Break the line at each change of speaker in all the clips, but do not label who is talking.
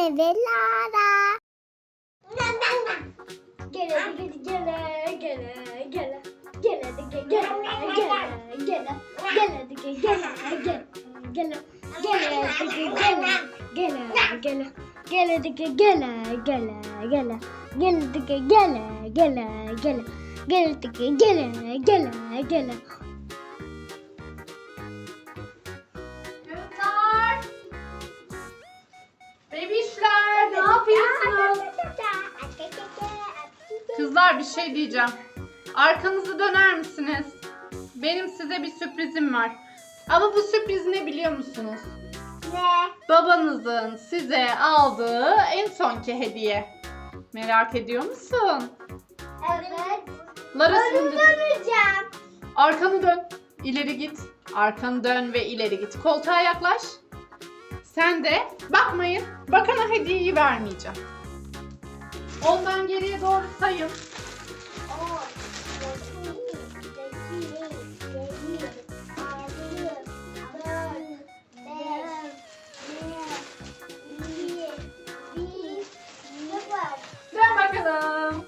Anne ve Lara.
Gele gele gele gele gele gele gele gele gele gele gele gele gele
Kızlar, bebişler ne yapıyorsunuz? Kızlar bir şey diyeceğim. Arkanızı döner misiniz? Benim size bir sürprizim var. Ama bu sürpriz ne biliyor musunuz?
Ne?
Babanızın size aldığı en sonki hediye. Merak ediyor musun?
Evet.
Lara
Onu
şimdi
döneceğim.
arkanı dön. İleri git. Arkanı dön ve ileri git. Koltuğa yaklaş. Sen de bakmayın. Bakana hediyeyi vermeyeceğim. Ondan geriye doğru sayın. Dön bakalım.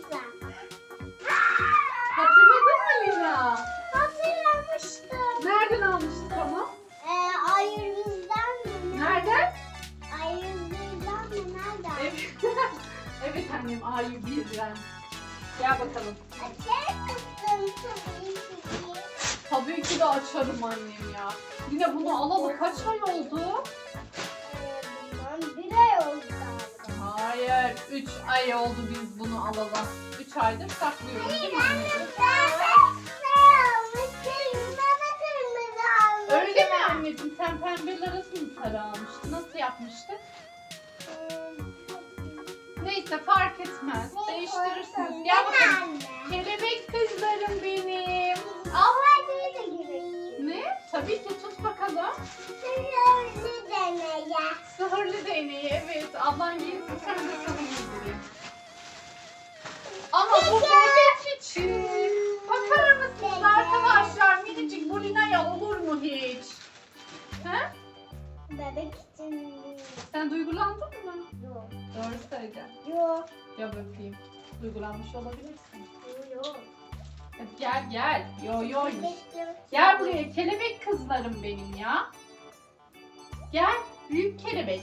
Hatırladın mı Lina?
Hatırlamıştım.
Nereden almıştık onu?
Ayırızdan mı?
Nereden?
Ayırızdan mı? Nereden?
Evet. Evet annem A'yı birden. Gel bakalım. Tabii ki de açarım annem ya. Yine bunu alalı kaç ay oldu?
Bundan bir ay oldu galiba.
Hayır, 3 ay oldu biz bunu alalı. 3 aydır saklıyoruz değil mi anneciğim? Öyle mi anneciğim? Sen pembeler arası mı sarı almıştın? Nasıl yapmıştık? Neyse fark etmez. Değiştirirsiniz. Gel bakalım. Kelebek kızlarım benim. Al. Ne? Tabii ki tut bakalım. Sihirli değneği evet. Ablan giysin sen de sana giydireyim. Ama bu bebek için. Bakar mısınız arkadaşlar? Minicik bu Lina'ya olur mu hiç? He?
Bebek için
Sen duygulandın mı?
yok.
Doğru söyle.
Yok.
Ya öpeyim. Duygulanmış olabilirsin.
Yok.
Hadi gel. Yo. Gel buraya kelebek kızlarım benim ya. Gel büyük kelebek.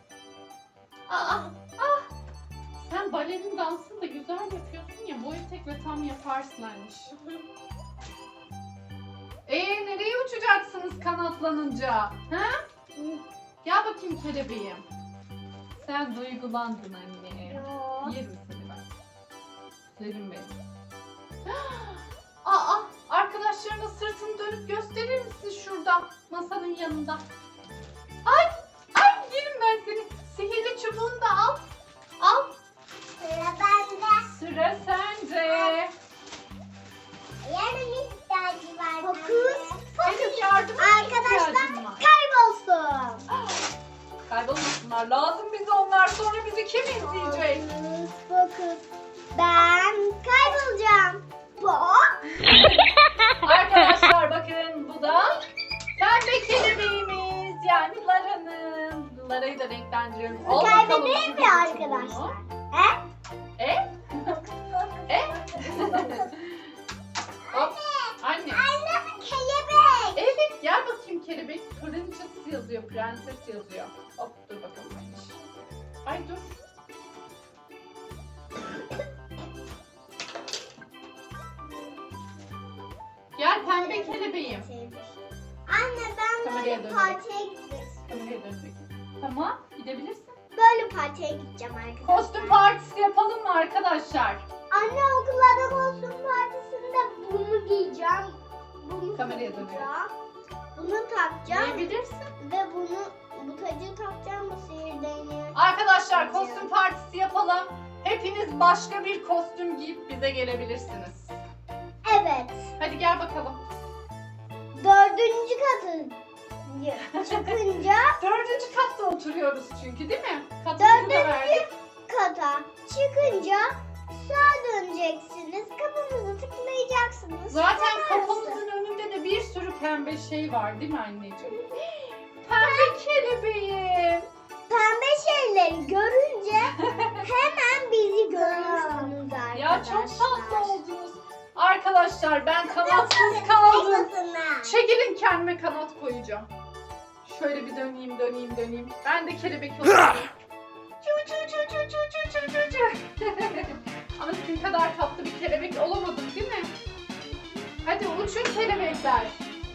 Sen balerin dansını da güzel yapıyorsun ya. Bu etekle tam yaparsın anne. Nereye uçacaksınız kanatlanınca? Ha? Gel bakayım kelebeğim. Sen duygulandın anne.
Yok.
Yerim seni ben. Serim benim. Arkadaşlarına sırtını dönüp gösterir misin şurada masanın yanında? Ay yerim ben seni. Sihirli çubuğunu da al. Al.
Sıra bende.
Sıra sende.
Yarın ihtiyacı var. Fokus.
Senin yardıma
Arkadaşlar
ihtiyacın var.
kaybolsun.
Kaybolmasınlar. Lazım bize onlar. Sonra bizi kim izleyecek?
Fokus. Ben kaybolacağım.
Arkadaşlar bakın bu da pembe kelebeğimiz. Yani Lara'nın. Lara'yı da renklendiriyorum. Al bakalım
Kaybedeyim mi
şu
arkadaşlar?
çubuğunu.
He?
Hop. Anne.
Anne kelebek.
Evet gel bakayım kelebek. Princess yazıyor. Prenses yazıyor. Hop dur bakalım. Ay dur. Gel pembe kelebeğim.
Anne ben
Kameraya
böyle
dön.
partiye gideceğim.
Kameraya dönecek. Tamam gidebilirsin.
Böyle partiye gideceğim arkadaşlar.
Kostüm partisi yapalım mı arkadaşlar?
Anne okullarda kostüm partisinde bunu giyeceğim. Bunu
Kameraya
takacağım. Bunu takacağım.
Gidebilirsin.
Ve bu tacı takacağım, bu sihir değneği.
Arkadaşlar kostüm partisi yapalım. Hepiniz başka bir kostüm giyip bize gelebilirsiniz.
Evet.
Hadi gel bakalım.
4. katı çıkınca
4. katta oturuyoruz çünkü değil mi? Katımızı da verdik.
kata çıkınca sağa döneceksiniz. Kapımızı tıklayacaksınız.
Zaten
Çıkarsınız.
kapımızın önünde de bir sürü pembe şey var değil mi anneciğim? Pembe kelebeğim.
Pembe şeyleri görün
ya. Çok tatlı oldunuz. Arkadaşlar ben kanatsız kaldım. Çekilin, kendime kanat koyacağım. Şöyle bir döneyim. Ben de kelebek olacağım. Ama sizin kadar tatlı bir kelebek olamadım değil mi? Hadi uçun kelebekler.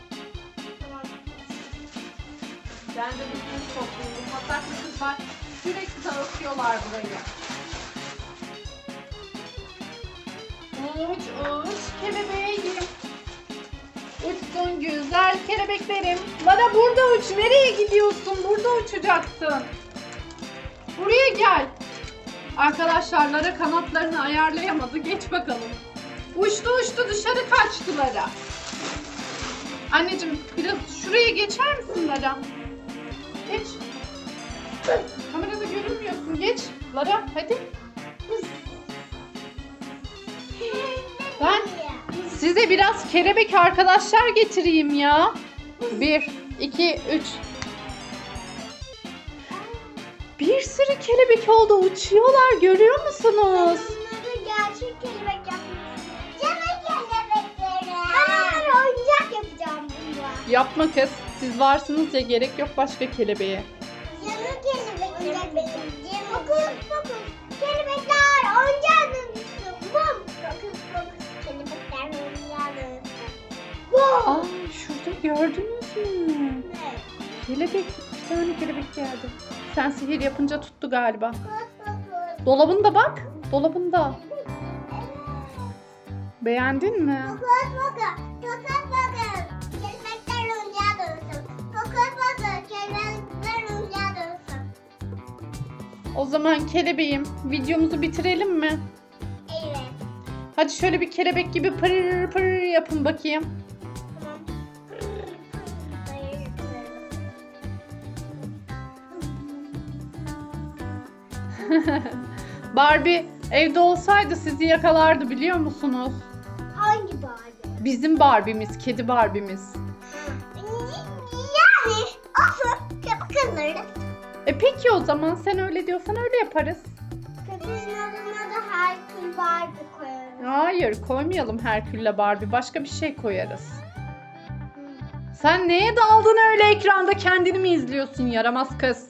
Ben de bir kuş topluyorum. Hatta kızlar sürekli dağıtıyorlar burayı. Uç kelebeğim. Uçsun güzel kelebeklerim. Bana burada uç. Nereye gidiyorsun? Burada uçacaksın. Buraya gel. Arkadaşlar Lara kanatlarını ayarlayamadı. Geç bakalım. Uçtu dışarı kaçtı Lara. Anneciğim biraz şuraya geçer misin Lara? Geç. Kamerada görünmüyorsun. Geç. Lara hadi. Ben size biraz kelebek arkadaşlar getireyim ya. 1, 2, 3. Bir sürü kelebek oldu. Uçuyorlar. Görüyor musunuz?
Bunları gerçek kelebek yapmışsın. Canım kelebekleri. Ben onları oyuncak yapacağım bununla.
Yapma kız. Siz varsınız ya, gerek yok başka kelebeğe.
Canım kelebekler. Fokus. Kelebekler oyuncağa dönüşsün. Bum. Fokus. Kelebekler oyuncağa dönüşsün. Bum.
Aa, şurada gördünüz mü?
Ne?
Kelebek. 2 tane kelebek geldi. Sen sihir yapınca tuttu galiba.
Fokus.
Dolabında bak. Dolabında. Beğendin mi?
Fokus. Kelebekler oyuncağa dönüşsün. Fokus. Kelebekler oyuncağa dönüşsün.
O zaman kelebeğim, videomuzu bitirelim mi?
Evet.
Hadi şöyle bir kelebek gibi pırr pırr yapın bakayım.
Tamam.
Barbie evde olsaydı sizi yakalardı, biliyor musunuz?
Hangi Barbie?
Bizim Barbie'miz, kedi Barbie'miz.
Yani olsun. Kızları.
Peki o zaman sen öyle diyorsan öyle yaparız.
Köpeğin adına da Herkül Barbie koyarım.
Hayır, koymayalım Herkül'le Barbie. Başka bir şey koyarız. Sen neye daldın öyle ekranda, kendini mi izliyorsun yaramaz kız?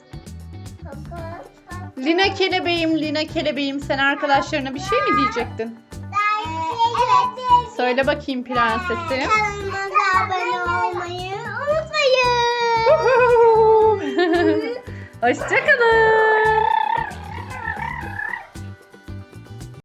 Lina kelebeğim, sen arkadaşlarına bir şey mi diyecektin?
Evet.
Söyle bakayım prensesim.
Kanalımıza abone olmayı unutmayın.
Hoşçakalın.